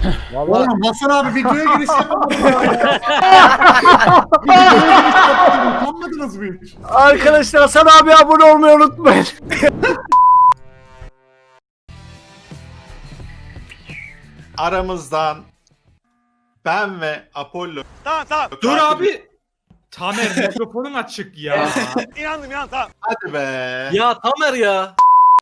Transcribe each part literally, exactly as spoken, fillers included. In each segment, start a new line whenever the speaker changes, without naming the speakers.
Vallahi
Oğlum Hasan abi videoya giriş yapamadı ya. Videoya giriş yapamadı. Utanmadınız mı hiç?
Arkadaşlar Hasan abi abone olmayı unutmayın.
Aramızdan ben ve Apollo.
Tamam tamam.
Dur abi. Tamer mikrofonun açık ya.
İnandım ya tamam.
Hadi be.
Ya Tamer ya.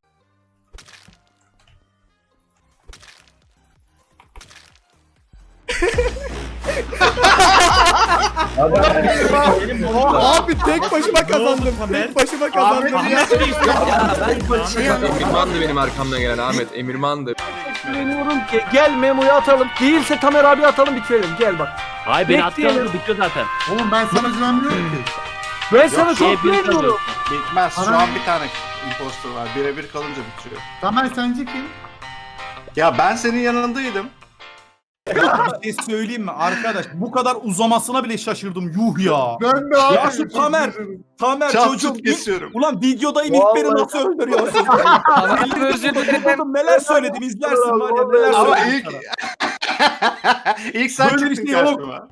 Abi tek başıma kazandım.
Tamer?
Tek başıma kazandım ya.
Ahmet Bey
Ya ben şey
Emirman'dı benim arkamdan gelen Ahmet. Emirman'dı.
Güveniyorum ki gel Memo'yu atalım. Değilse Tamer abi atalım bitirelim. Gel bak.
Hayır beni
Bekleyelim.
attılar bitiyor zaten.
Oğlum ben sana güvenmiyorum ki.
Ben sana
şey
çok
bir
güveniyorum.
Bitmez. Şu
Ana-
an bir tane imposter var. Birebir kalınca bitiyor.
Tamer sence kim?
Ya ben senin yanındaydım.
Bir şey söyleyeyim mi arkadaş? Bu kadar uzamasına bile şaşırdım. Yuh ya.
Ben de abi.
Ya şu Tamer. Tamer
Çat
çocuk.
çut kesiyorum.
Ulan videodayım ilk beni nasıl öldürüyorsun?
Abi özür dilerim.
Neler söyledim izlersin var ya neler
Ama
söyledim
ilk...
sana.
ilk sen
Böyle bir
çıktın
şey yok.
karşıma.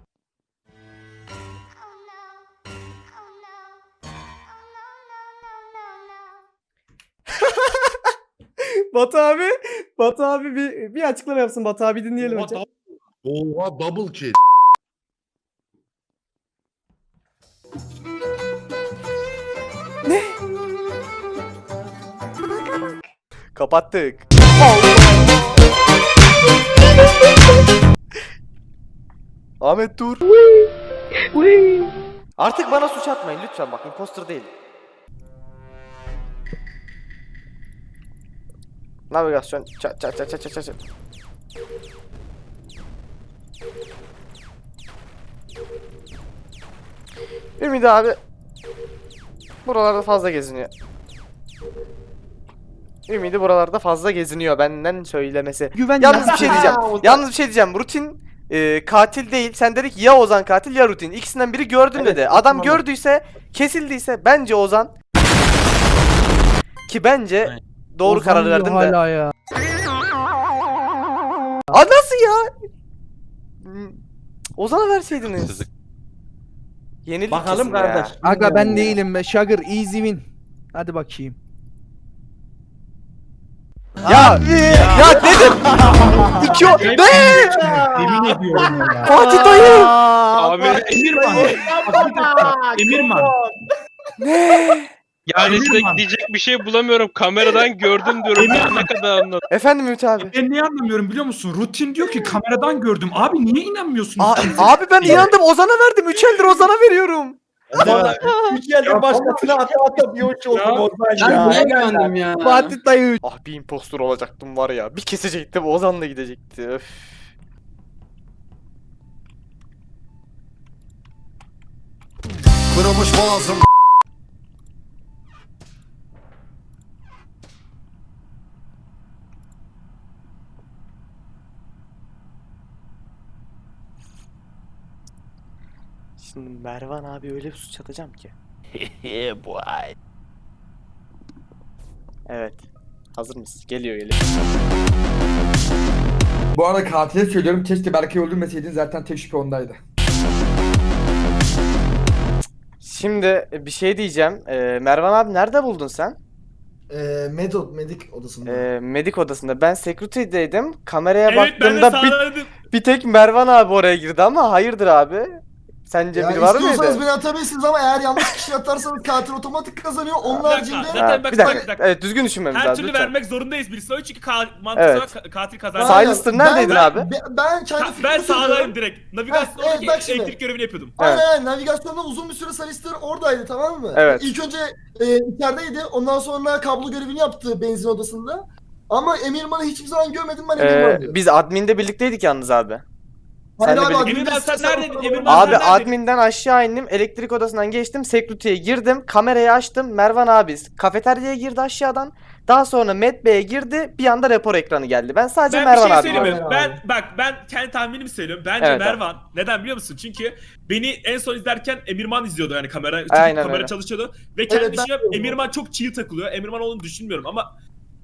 Batu abi. Batu abi bir, bir açıklama yapsın. Batu abi dinleyelim önce.
Oha double kill.
Kapattık. Ahmet dur. Artık bana suç atmayın lütfen bak imposter değil. Navigasyon çat çat çat çat çat çat. Ümit abi buralarda fazla geziniyor. Ümidi buralarda fazla geziniyor benden söylemesi.
Güven
Yalnız bir şey diyeceğim. Yalnız bir şey diyeceğim. Rutin e, katil değil. Sen dedik ya Ozan katil ya Rutin. İkisinden biri gördüm dedi. Adam gördüyse, kesildiyse bence Ozan. Ki bence doğru karar verdim de.
Hala ya.
Aa nasıl ya? Hmm, Ozan'a verseydiniz. Yenildik
Bakalım
kesin ya.
kardeş. Aga ben değilim be. Sugar easy win. Hadi bakayım.
Ya ya, dedim. İki o. Ne?
Yemin ediyorum ya.
Fatih dayı.
Abi
Emirman. Emirman.
yani
Emirman.
size diyecek bir şey bulamıyorum. Kameradan gördüm diyorum. Ben ne kadar anladım.
Efendim Ümit abi.
Ben niye anlamıyorum biliyor musun? Rutin diyor ki kameradan gördüm. Abi niye inanmıyorsunuz?
Aa, abi ben inandım Ozan'a verdim. Üç eldir Ozan'a veriyorum.
Üç yıldır başkasına ata ata bir uç oldum Ozan ya.
Ben
güvendim ya. Fatih dayı.
Ah bir impostor olacaktım var ya. Bir kesecektim Ozan'la gidecekti. Öf.
Kırılmış boğazım.
Şimdi Mervan abi öyle bir suç atacağım ki.
Boy.
Evet. Hazır mısın? Geliyor geliyor.
Bu arada katile söylüyorum keşke Berkay'ı öldürmeseydin zaten tek şüphe ondaydı.
Şimdi bir şey diyeceğim. Ee, Mervan abi nerede buldun sen?
Eee Medok Medik odasında.
Ee, medik odasında. Ben security'deydim. Kameraya
Evet ben de
baktığımda bir,
sağladım.
bir tek Mervan abi oraya girdi ama hayırdır abi? Sence biri var mıydı?
beni atabilirsiniz ama eğer yanlış kişi atarsanız katil otomatik kazanıyor. Onun
Bir dakika,
haricinde...
zaten
Ha,
bak,
bir
bak,
dakika.
bir dakika.
Evet düzgün düşünmemiz
Her
lazım
türlü
lütfen.
vermek zorundayız birisi. O çünkü ka mantıksal
Evet.
olarak ka- katil kazanıyor.
Aynen.
Silas'tır neredeydin
Ben-
abi?
Ben, ben kendi
Ka-
fikrimi
ben
söylüyorum.
sağdayım direkt. Navigasyondaki
Evet, bak şimdi.
elektrik görevini yapıyordum.
Evet.
Aynen aynen navigasyonda uzun bir süre Salister oradaydı tamam mı?
Evet.
İlk önce e, içerideydi ondan sonra kablo görevini yaptı benzin odasında. Ama Emirman'ı hiçbir zaman görmedim ben Emirman
Ee,
diyor.
biz adminde birlikteydik yalnız abi.
Hayır
senle
abi,
birlikte-
admin
Emirman sen
listesi
neredeydin?
falan
Emirman
var.
Abi
sen neredeydin?
adminden aşağı indim, elektrik odasından geçtim, security'ye girdim, kamerayı açtım, Mervan abi kafeteryaya girdi aşağıdan. Daha sonra Met Bey'e girdi, bir anda rapor ekranı geldi. Ben sadece
Ben
Mervan
bir şey
abi
söyleyeyim mi?
Aynen
Ben
abi.
bak ben kendi tahminimi söylüyorum. Bence
Evet,
Mervan. Neden biliyor musun? Çünkü beni en son izlerken Emirman izliyordu yani kamera. Çünkü
Aynen
kamera
öyle.
çalışıyordu. Ve kendi
Evet, ben
düşünüyorum
de
Emirman çok çiğ takılıyor. Emirman olduğunu düşünmüyorum ama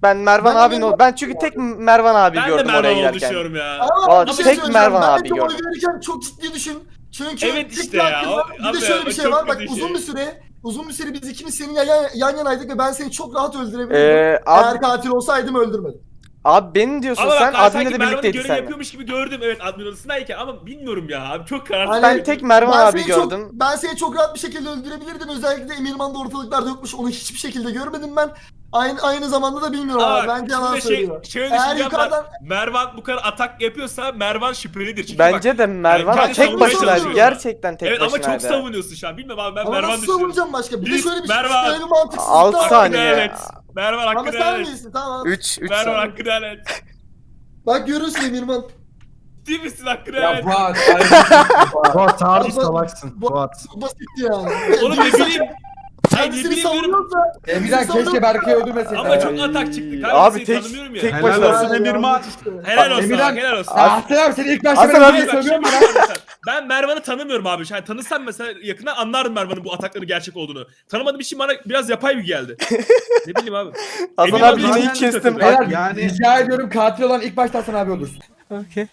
Ben Mervan
Ben
abinin
Mervan-
ol. Ben çünkü tek Mervan abi
Ben de
gördüm oraya
Mervan olduğunu
giderken.
düşünüyorum ya.
Ama
Valla
bir şey
tek
söyleyeceğim.
Mervan
ben
abi
de oy
gördüm.
verirken çok ciddi düşün. Çünkü
Evet
tek
işte ya,
hakkında-
o-
bir
abi,
de şöyle bir
o
şey
çok
var. Bak
kötü
uzun
şey.
bir süre uzun bir süre biz ikimiz senin yan, yan yanaydık ve ben seni çok rahat öldürebilirdim.
Ee,
Eğer
abi,
katil olsaydım öldürmedim.
abi benim diyorsun
Ama
sen
bak ben sanki
adminle de
Mervan'ın
birlikteydi
görev
sen.
yapıyormuş gibi gördüm evet admin odasındayken ama bilmiyorum ya abi çok kararsız.
Hani-
Ben tek Mervan
Ben
abi
seni çok-
gördüm.
ben seni çok rahat bir şekilde öldürebilirdim. Özellikle Emirman da ortalıklarda yokmuş. Onu hiçbir şekilde görmedim ben. Aynı aynı zamanda da bilmiyorum
Ama
abi. Bence yalan
şimdi
söylüyor.
şey, şöyle
Eğer
düşüneceğim ben,
yukarıdan
Mervan bu kadar atak yapıyorsa Mervan şüphelidir. Çünkü bak,
Bence de Mervan
kendi
tek
savunmaya
başınaydı.
çalışıyor.
Gerçekten tek
evet ama
başınaydı.
çok savunuyorsun şu an bilmiyorum abi ben
ama
Mervan
nasıl
düşünüyorum.
savunacağım başka? Bir de
Biz,
şöyle bir,
Mervan.
şöyle bir mantıksızlık
Altı
var.
saniye.
Hakkını evet. Mervan
Ama
hakkını
sen
evet.
değilsin tamam.
üç üç
Mervan
saniye.
hakkını evet.
Bak görürsün Emirman.
Ciddi misin hakkını
Ya
evet.
Fuat.
Fuat harbi
Bu-
salaksın
bu-
Fuat.
Bu basitti yani.
Oğlum ne bileyim. Hayır ne
Kendisini
bileyim diyorum.
savunuyorsa
Emirhan keşke Berkay'ı öldürmeseydin.
Ama çok atak çıktı. Kanka
Abi
seni
tek-
tanımıyorum ya.
tek
Helal
başına-
olsun Emirman.
Helal olsun
Emirhan-
abi, helal olsun.
Ahsen abi seni ilk başta
Hasan
ben
abi-
öyle
Hayır, bak,
söylüyorum
şimdi
bana.
mesela ben Mervan'ı tanımıyorum abi. Yani tanısam mesela yakından anlardım Mervan'ın bu atakların gerçek olduğunu. Tanımadığım için bana biraz yapay bir geldi. Ne bileyim abi.
Hasan
Emin
abi
abi
yine
zaten
ilk kestim.
takıldı.
Beyler
Yani-
rica ediyorum katil olan ilk başta Hasan abi olursun.
Okey.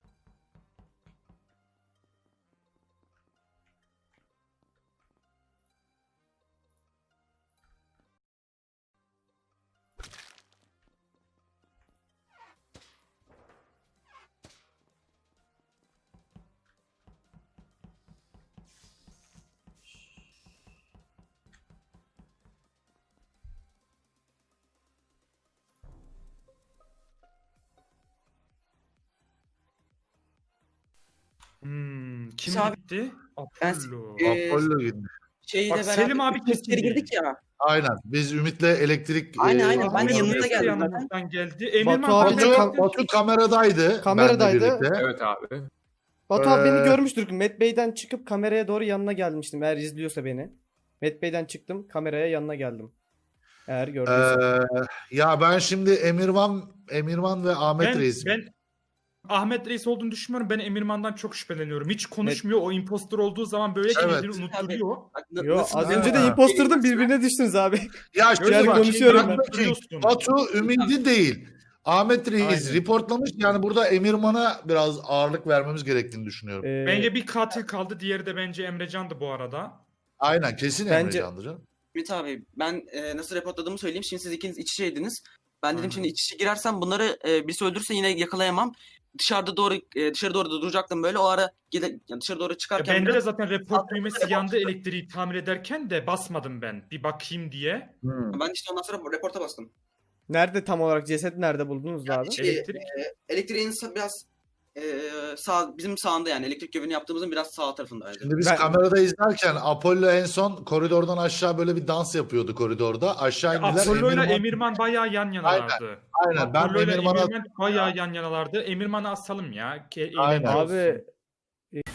Hmm, kim
Abi,
gitti?
ben-
Apollo.
Ee,
Apollo gitti.
Şeyle
Bak,
beraber
Selim abi
üç kere
kesin
girdik ya.
Aynen. Biz Ümit'le elektrik...
Aynen,
e,
aynen. Ben de
oynadık.
yanınıza geldim zaten.
Yanımızdan geldi. Emirman
Batu abi
ben
de-
Batu, Batu kameradaydı.
Kameradaydı.
benle birlikte.
Evet abi.
Batu abi
Ee,
beni görmüştür. Met Bey'den çıkıp kameraya doğru yanına gelmiştim. Eğer izliyorsa beni. Met Bey'den çıktım kameraya yanına geldim. Eğer gördüyse.
Ee, ya ben şimdi Emirvan, Emirvan ve Ahmet
ben,
Reis.
ben Ahmet Reis olduğunu düşünmüyorum. Ben Emirman'dan çok şüpheleniyorum. Hiç konuşmuyor. O impostor olduğu zaman böyle
Evet.
kendini unutturuyor.
Bak, n-
Yo
nasıl-
az
Ha.
önce de imposterdın birbirine düştünüz abi.
Ya
Öyle
şimdi
bak,
bak,
konuşuyorum
şimdi
ben.
bak,
Biliyorsun.
Batu ümidi değil. Ahmet Reis
Aynen.
reportlamış. Yani burada Emirman'a biraz ağırlık vermemiz gerektiğini düşünüyorum.
Ee,
Bence bir katil kaldı. Diğeri de bence Emrecan'dı bu arada.
Aynen kesin
Bence-
Emrecan'dı canım.
Ümit abi ben e, nasıl reportladığımı söyleyeyim. Şimdi siz ikiniz iç içeydiniz. Ben dedim
Aynen.
şimdi iç içe girersem bunları e, birisi öldürürse yine yakalayamam. Dışarıda doğru e, dışarı doğru da duracaktım böyle o ara gide, yani dışarı doğru
Ya
çıkarken
bende de
biraz-
zaten report düğmesi yandı elektriği tamir ederken de basmadım ben. Bir bakayım diye.
ben işte ondan sonra reporta bastım.
Nerede tam olarak ceset nerede buldunuz abi?
Şey,
Elektrik.
e, elektriğin sa- biraz e, sağ bizim sağında yani elektrik gövünü yaptığımızın biraz sağ tarafındaydı.
Şimdi biz
Ben-
kamerada izlerken Apollo en son koridordan aşağı böyle bir dans yapıyordu koridorda. Aşağı indiler.
Apollo ile
Emirman-
Emirman bayağı yan yanalardı.
Aynen. Ben
Apollo ile
Emirman'a...
Emirman bayağı yan yanalardı. Emirman'ı asalım ya. Ke-
Aynen.
eğlenceli olsun.
Abi e, e,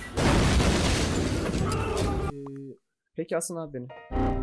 peki asın abi beni.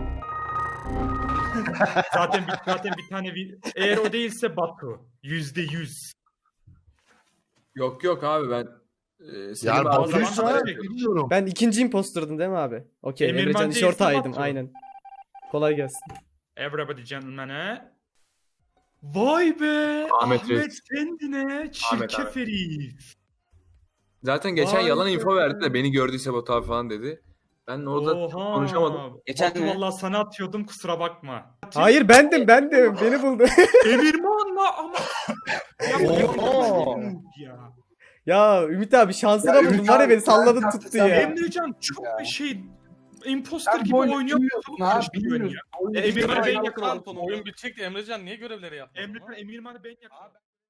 Zaten bir, zaten bir tane bir... Eğer o değilse Batu. Yüzde yüz.
Yok yok abi ben e, Selim
Yani
abi-
o zaman
Batu'yu
da-
bilmiyorum.
Ben ikinci imposterdın değil mi abi? Okey.
Emirman
Emrecan iş
değilse
ortağıydım
Batu.
aynen. Kolay gelsin.
Everybody gentlemen'e. Vay be!
Ahmet
Ahmet,
Reis.
kendine
Ahmet
çirkef
abi.
herif.
Zaten geçen
Vay
yalan
be.
info verdi de beni gördüyse Batu abi falan dedi. Ben orada
Oha.
konuşamadım.
Geçen
Batu
mi?
valla sana atıyordum kusura bakma.
Hayır bendim bendim. Beni buldu.
Emirman'la ama... ya, bu
Oha.
Emrecan ya.
Ya Ümit abi şansına
Ya
buldun
Ümit
var ya
abi,
beni salladın
sen-
tuttu
sen-
ya.
Emrecan çok bir şey... Imposter
Sen
gibi
böyle
oynuyor.
bilmiyorsun
Çok
abi,
karıştırıyorsun
bilmiyorsun.
ya. E, Emirman'ı ben
Oyun-
yakaladım.
Oyun
bitecekti Emrecan niye görevleri yapmadın?
Emre, Emirman'ı ben yakaladım.